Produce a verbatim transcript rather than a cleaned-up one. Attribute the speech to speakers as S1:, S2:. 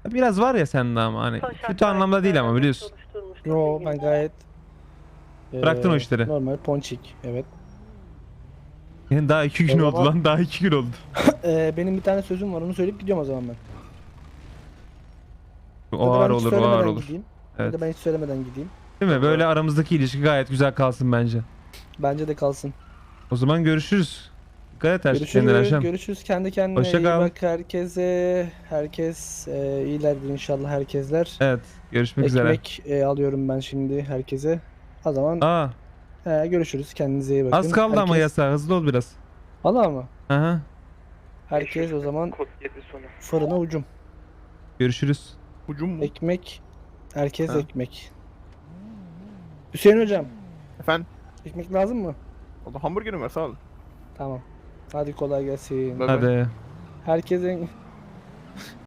S1: Biraz var ya sende ama hani kötü anlamda değil ama biliyorsun.
S2: Yo ben gayet
S1: Bıraktın o
S2: eee,
S1: işleri.
S2: normal ponçik, evet.
S1: Yani daha iki gün
S2: O
S1: oldu
S2: zaman
S1: lan, daha iki gün oldu.
S2: eee, benim bir tane sözüm var, onu söyleyip gidiyorum o zaman ben.
S1: O
S2: Ya da
S1: ağır
S2: ben hiç
S1: olur, o ağır
S2: söylemeden
S1: olur.
S2: gideyim. Ya
S1: Evet.
S2: da ben hiç söylemeden gideyim.
S1: Değil mi? Böyle
S3: Vallahi
S1: aramızdaki ilişki gayet güzel kalsın bence.
S2: Bence de kalsın.
S1: O zaman görüşürüz. Dikkat et her- kendine
S2: Görüşürüz.
S1: Erşem.
S2: Görüşürüz. Kendi kendine
S1: Hoşça
S2: iyi
S1: kal.
S2: bak herkese. Herkes eee iyilerdir inşallah herkesler.
S1: Evet. Görüşmek üzere.
S2: Ekmek eee, alıyorum ben şimdi herkese. O zaman
S1: Aa,
S2: eee, görüşürüz. Kendinize iyi
S1: az
S2: bakın.
S1: kaldı ama
S2: Herkes
S1: yasa. Hızlı ol biraz.
S2: valla mı?
S1: Aha.
S2: Herkes o zaman
S3: kod yedi sonu.
S2: fırına ucum.
S1: Görüşürüz.
S3: Ucum mu?
S2: Ekmek. Herkes
S3: Ha.
S2: ekmek. Hüseyin hocam.
S3: Efendim?
S2: Ekmek lazım mı?
S3: O da hamburgerim var, sağ ol.
S2: Tamam. Hadi kolay gelsin.
S3: Bay bay.
S1: Hadi.
S2: Herkesin